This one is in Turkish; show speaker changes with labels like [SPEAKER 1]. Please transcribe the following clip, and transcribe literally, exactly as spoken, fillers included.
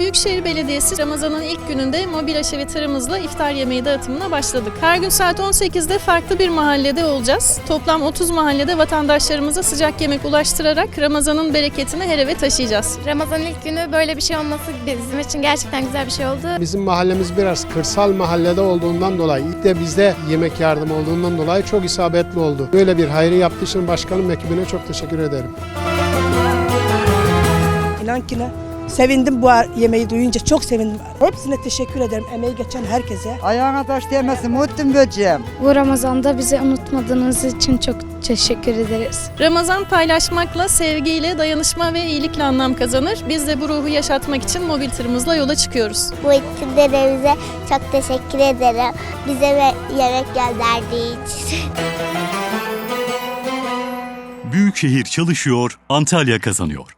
[SPEAKER 1] Büyükşehir Belediyesi Ramazan'ın ilk gününde mobil aşevi tırımızla iftar yemeği dağıtımına başladık. Her gün saat on sekizde farklı bir mahallede olacağız. Toplam otuz mahallede vatandaşlarımıza sıcak yemek ulaştırarak Ramazan'ın bereketini her eve taşıyacağız.
[SPEAKER 2] Ramazan'ın ilk günü böyle bir şey olması bizim için gerçekten güzel bir şey oldu.
[SPEAKER 3] Bizim mahallemiz biraz kırsal mahallede olduğundan dolayı, ilk de bizde yemek yardımı olduğundan dolayı çok isabetli oldu. Böyle bir hayrı yaptığı için başkanım ekibine çok teşekkür ederim.
[SPEAKER 4] İnan ki ne? Sevindim bu yemeği duyunca, çok sevindim. Hepsine teşekkür ederim, emeği geçen herkese.
[SPEAKER 5] Ayağına taş değmesin Muhittin böceğim.
[SPEAKER 6] Bu Ramazan'da bizi unutmadığınız için çok teşekkür ederiz.
[SPEAKER 1] Ramazan paylaşmakla, sevgiyle, dayanışma ve iyilikle anlam kazanır. Biz de bu ruhu yaşatmak için mobil tırımızla yola çıkıyoruz.
[SPEAKER 7] Bu iktidarımıza çok teşekkür ederim. Bize yemek gönderdiği için.
[SPEAKER 8] Büyükşehir çalışıyor, Antalya kazanıyor.